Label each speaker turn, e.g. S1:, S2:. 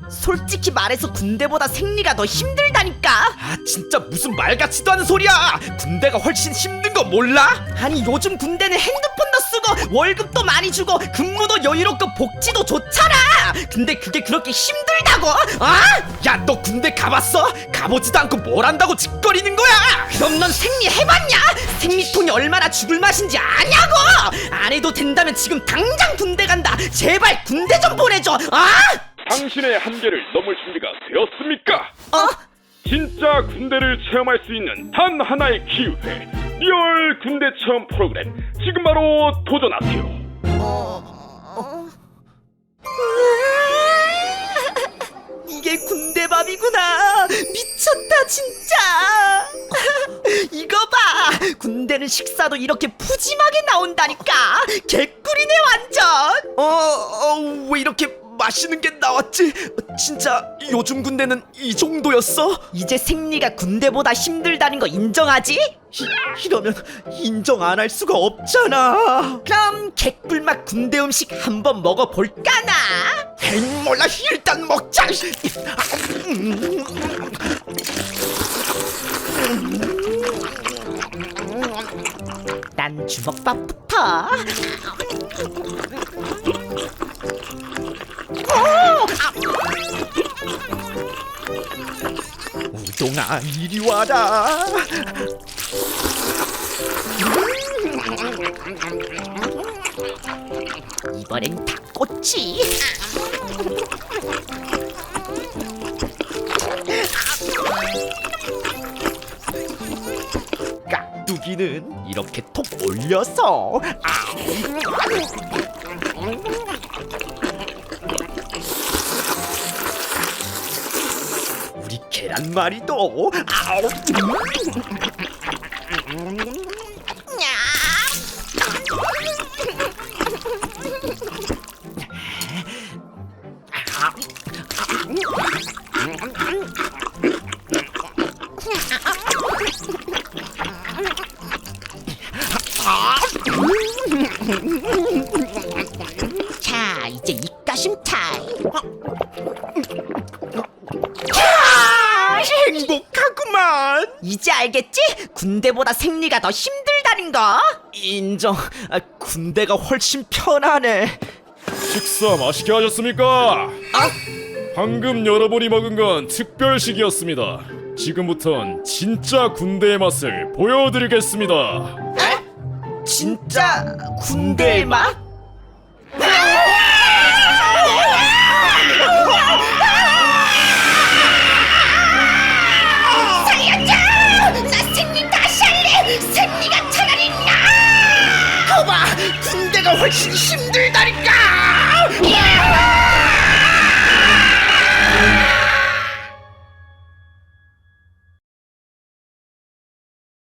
S1: 솔직히 말해서 군대보다 생리가 더 힘들다니까.
S2: 아 진짜 무슨 말 같지도 않은 소리야. 군대가 훨씬 힘든 거 몰라?
S1: 아니 요즘 군대는 핸드폰도 쓰고 월급도 많이 주고 근무도 여유롭고 복지도 좋잖아. 근데 그게 그렇게 힘들다고? 아?
S2: 야 너 군대 가봤어? 가보지도 않고 뭘 한다고 짓거리는 거야?
S1: 그럼 넌 생리 해봤냐? 생리통이 얼마나 죽을 맛인지 아냐고? 안 해도 된다면 지금 당장 군대 간다. 제발 군대 좀 보내줘. 아?
S3: 당신의 한계를 넘을 준비가 되었습니까? 진짜 군대를 체험할 수 있는 단 하나의 기회, 리얼 군대 체험 프로그램, 지금 바로 도전하세요.
S1: 이게 군대밥이구나. 미쳤다 진짜. 이거 봐, 군대는 식사도 이렇게 푸짐하게 나온다니까. 개꿀이네 완전.
S2: 왜 이렇게 맛있는 게 나왔지? 진짜 요즘 군대는 이 정도였어?
S1: 이제 생리가 군대보다 힘들다는 거 인정하지?
S2: 이러면 인정 안 할 수가 없잖아.
S1: 그럼 개꿀맛 군대 음식 한번 먹어볼까나?
S2: 에이 몰라, 일단 먹자.
S1: 난 주먹밥부터.
S2: 우동아 이리 와라.
S1: 이번엔 닭꼬치.
S2: 깍두기는 이렇게 톡 올려서. 우리 계란말이도.
S1: 자, 이제 입가심 타임.
S2: 행복하구만.
S1: 이제 알겠지? 군대보다 생리가 더 힘들다는 거.
S2: 인정. 군대가 훨씬 편하네.
S3: 식사 맛있게 하셨습니까? 방금 여러분이 먹은 건 특별식이었습니다. 지금부턴 진짜 군대의 맛을 보여드리겠습니다.
S1: 진짜 군대의 맛? 살려줘! 나 생리 다시 할래! 생리가 차라리 나!
S2: 거봐, 군대가 훨씬 힘들다니까.